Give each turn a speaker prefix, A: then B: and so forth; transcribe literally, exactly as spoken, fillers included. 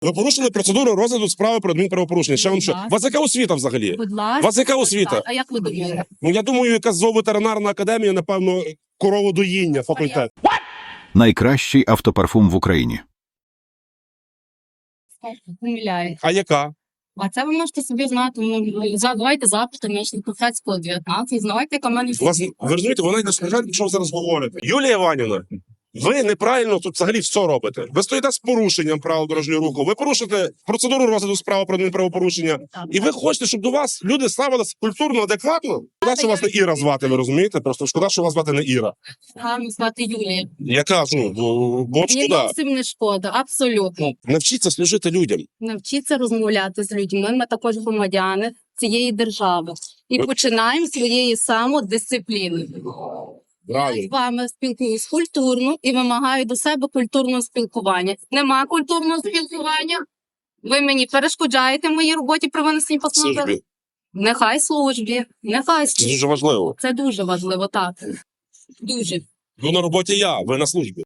A: Ви порушили процедуру розгляду справи про адмінправопорушення. Ще вам що? У вас яка освіта взагалі?
B: Будь
A: У
B: ласка.
A: вас яка освіта?
B: А як ви думаєте?
A: Ну, я думаю, якась зооветеринарна академія, напевно, короводоїння, факультет.
C: Найкращий автопарфум в Україні.
B: Помиляю.
A: А яка?
B: А це ви можете собі знати. Ну, задавайте запити мені Куфецького дев'ятнадцять, знавайте, яка в мене
A: У вас, ви розумієте, вона не скажете, що ви зараз говорите. Юлія Іванівна, ви неправильно тут взагалі все робите. Ви стоїте з порушенням правил дорожнього руху, ви порушите процедуру розгляду справи про адмінправопорушення, і ви хочете, щоб до вас люди ставилися культурно, адекватно? Шкода, що вас не Іра звати, ви розумієте? Просто шкода, що вас звати не Іра.
B: Гарно звати Юлія.
A: Я кажу, бо, бо
B: Мені
A: шкода.
B: зовсім не шкода, абсолютно.
A: Навчіться служити людям.
B: Навчіться розмовляти з людьми. Ми також громадяни цієї держави. І
A: Ви-
B: починаємо з своєї самодисципліни. Я з вами спілкуюсь культурно і вимагаю до себе культурного спілкування. Нема культурного спілкування. Ви мені перешкоджаєте в моїй роботі при винесенні постанови.
A: Службі.
B: Нехай службі, нехай
A: Це
B: службі.
A: дуже важливо.
B: Це дуже важливо, так. Дуже.
A: Ви на роботі я, ви на службі.